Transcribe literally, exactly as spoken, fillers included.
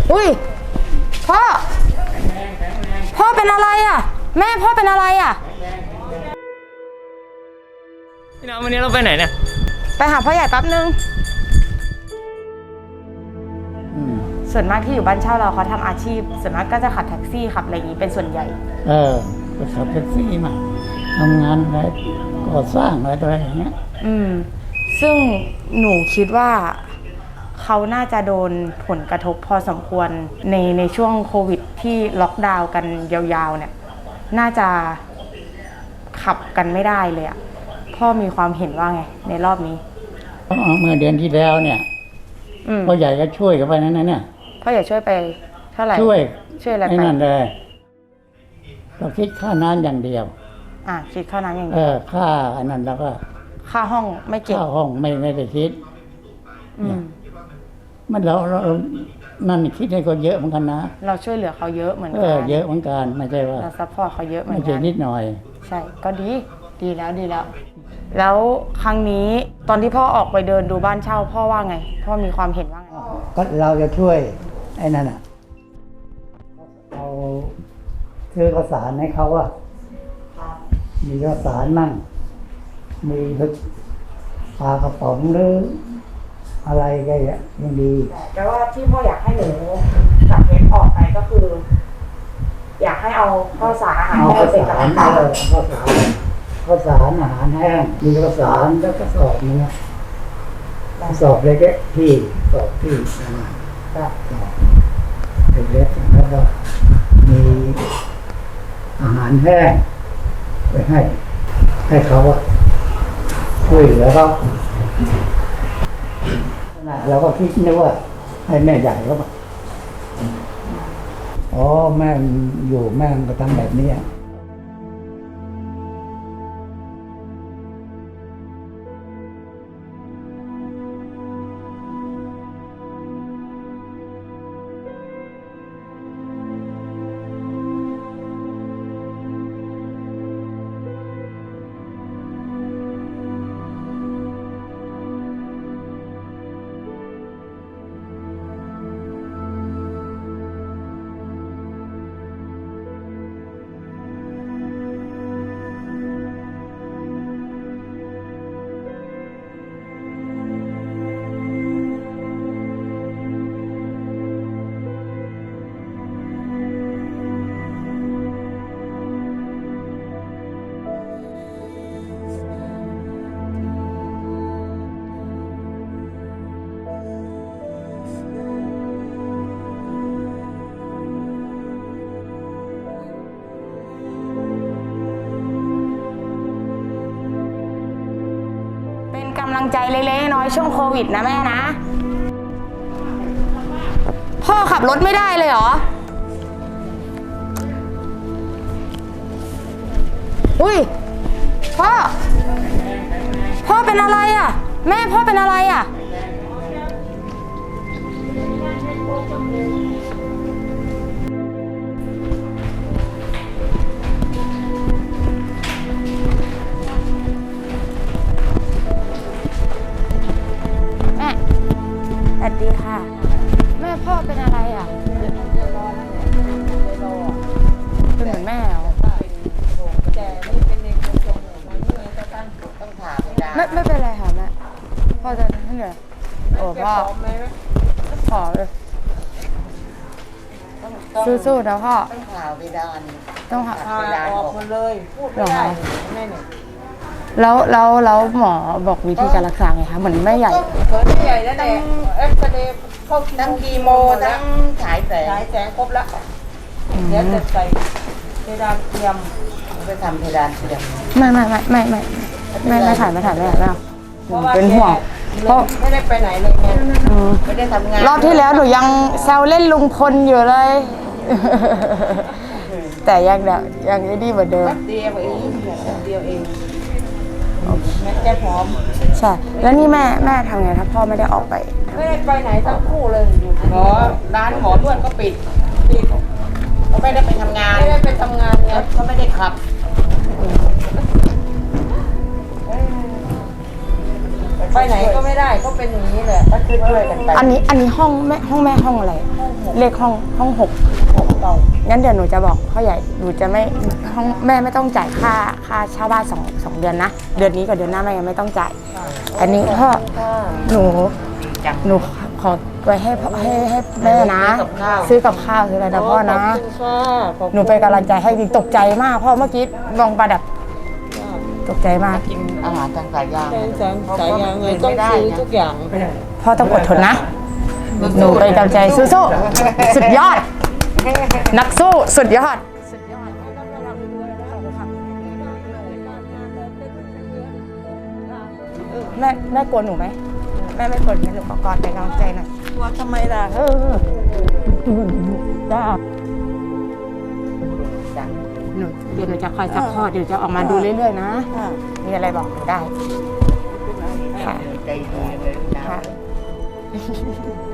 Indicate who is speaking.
Speaker 1: อุ้ยพ่อพ่อเป็นอะไรอ่ะแม่พ่อเป็นอะไรอ่ะ
Speaker 2: พี่น้องวันนี้เราไปไหนเนี่ย
Speaker 1: ไปหาพ่อใหญ่แป๊บนึงส่วนมากที่อยู่บ้านเช่าเราเขาทำอาชีพส่วนมากก็จะขับแท็กซี่ขับอะไรอย่างนี้เป็นส่วนใหญ่
Speaker 3: เออก็ขับแท็กซี่มาทำงานอะไรก่อสร้างอะไรอะไรอย่างเงี้ย
Speaker 1: อืมซึ่งหนูคิดว่าเขาน่าจะโดนผลกระทบพอสมควรในในช่วงโควิดที่ล็อกดาวน์กันยาวๆเนี่ยน่าจะขับกันไม่ได้เลยอ่ะพ่อมีความเห็นว่าไงในรอบนี้
Speaker 3: เมื่อเดือนที่แล้วเนี่ยพ่อใหญ่ก็ช่วยกันไปนั่นนะเนี่ย
Speaker 1: พ่อใหญ่ช่วยไปเท่าไหร่
Speaker 3: ช่วย
Speaker 1: ช่วยอะไรไป
Speaker 3: นั่นเลยเราคิดค่าน้ำอย่างเดียว
Speaker 1: อ่าคิดค่าน้ำอย่างเดี
Speaker 3: ยวเออค่าอันนั้นแล้วก็
Speaker 1: ค่าห้องไม่เก็บ
Speaker 3: ค่าห้องไม่ไม่ได้คิดอืมมันเราเรานั่นคิดให้คนเยอะเหมือนกันนะ
Speaker 1: เราช่วยเหลือเขาเยอะเหมือนกัน
Speaker 3: เออเยอะเหมือนกันไม่ใช่ว่า
Speaker 1: เราซัพพอร์ตเขาเยอะเหมือนกัน
Speaker 3: ไม่ใช่นิดหน่อย
Speaker 1: ใช่ก็ดีดีแล้วดีแล้วแล้วครั้งนี้ตอนที่พ่อออกไปเดินดูบ้านเช่าพ่อว่าไงพ่อมีความเห็นว่าไง
Speaker 3: ก็เราจะช่วยไอ้นั่นอ่ะเอาซื้อข้าวสารให้เขาอ่ะมีข้าวสารมั่งมีปลากระป๋องหรืออะไรก็ยังดี
Speaker 1: แต่ว่าที่พ่ออยากให้หนูกับเพชรออกไปก็คือ อยากให้เอาข้าวสารอาหาร
Speaker 3: แห้งเป็นกำลังใจข้าวสารข้าวสารอาหารแห้งมีข้าวสารแล้วก็สอบนึงสอบเล็กๆที่สอบที่ก็สอบเล็กๆแล้วก็มีอาหารแห้งไปให้ให้เขาช่วยเหลือเขาเราก็คิดนึกว่าให้แม่ใหญ่เขาบอกอ๋อแม่อยู่แม่ก็ทำแบบนี้
Speaker 1: กำลังใจเล็กๆน้อยช่วงโควิดนะแม่นะพ่อขับรถไม่ได้เลยเหรออุ้ยพ่อพ่อเป็นอะไรอ่ะแม่พ่อเป็นอะไรอ่ะสวัสดีค่ะแม่พ่อเป็นอะไรอ่ะเป็นเหมือนแม่เหรอไม่ไม่เป็นไรค่ะแม่พ่อจะให้เหนื่อยโอ้พ่อขอเลยสู้ๆนะพ่อ
Speaker 4: ต้องผ่าเวดาน
Speaker 1: ต้องผ่า
Speaker 4: เวดานออกหมดเลยพูดไม่ได้แม่เนี่ย
Speaker 1: แล้วแล้วแล้วหมอบอกวิธีการรักษาไงคะเหมือนแม่ใหญ่
Speaker 4: เหมือนแม่ใหญ่แล้วแต่เอ็กซเรย์เข้าทั้งคีโมทั้งฉายแสงฉายแสงครบแล้วเดี๋ยวจะใส่เพดานเทียมไปทำเพดานเทียม
Speaker 1: ไม่ไม่ไม่ไม่ไม่ไม่ไม่ถ่ายไม่ถ่ายไม่ถ่ายไม่เอาเป็นห่วง
Speaker 4: เพราะไม่ได้ไปไหนเลยไงไม่ได้ทำงาน
Speaker 1: รอบที่แล้วหนูยังแซวเล่นลุงพลอยู่เลยแต่ยังเดี๋ยวยังไอ้นี่เหมือนเดิม
Speaker 4: เดียวเองเดียวเองแม่แก้พร้อม
Speaker 1: ใช่แล้วนี่แม่แม่ทำไงถ้าพ่อไม่ได้ออกไป
Speaker 4: ไม่ได้ไปไหนทั้งคู่เลยอยู่หมอร้านหมอนวดก็ปิดปิดเขาไม่ได้ไปทำงานไม่ได้ไปทำงานไงเขาไม่ได้ขับไปไหนก็ไม่ได้ก็เป็นอย่างนี้แหละก็ช่วยๆกันไป
Speaker 1: อันนี้อันนี้ห้องแม่ห้องแม่ห้องอะไร เลขห้องห้องหก
Speaker 4: เก่า
Speaker 1: งั้นเดี๋ยวหนูจะบอกพ่อใหญ่หนูจะไม่ห้องแม่ไม่ต้องจ่ายค่าค่าเช่าบ้านสองสองเดือนนะเดือนนี้กับเดือนหน้าแม่ยังไม่ต้องจ่ายอันนี้พ่อหนูหนูขอไว้ให้พ่อให้ให้แม่นะ ซื้อกับข้าวซื้ออะไรนะพ่อนะ หนูเป็นกำลังใจให้จริงตกใจมากเพราะเมื่อกี้มองประดับตกใจมาก
Speaker 4: กินอาหารทางสายยาง
Speaker 5: สายสายยางเลยต้องซื้อทุกอย่าง
Speaker 1: พ่อต้องอดทนนะ หนูเป็นกำลังใจสู้ๆสุดยอด นักสู้สุดยอด แม่แม่กลัวหนูไหมแม่ไม่กลัวงั้นหนูขอกอดเป็นกำลังใจหน่อย
Speaker 5: ว่าทำไมล่ะ
Speaker 1: เออจ้าหนูเดี๋ยวหนูจะคอยซัพพอร์ตเดี๋ยวจะออกมาดูเรื่อยๆนะ มีอะไรบอกหนูได้ ค่ะ
Speaker 4: ใจดีเลยนะ
Speaker 1: ค่ะ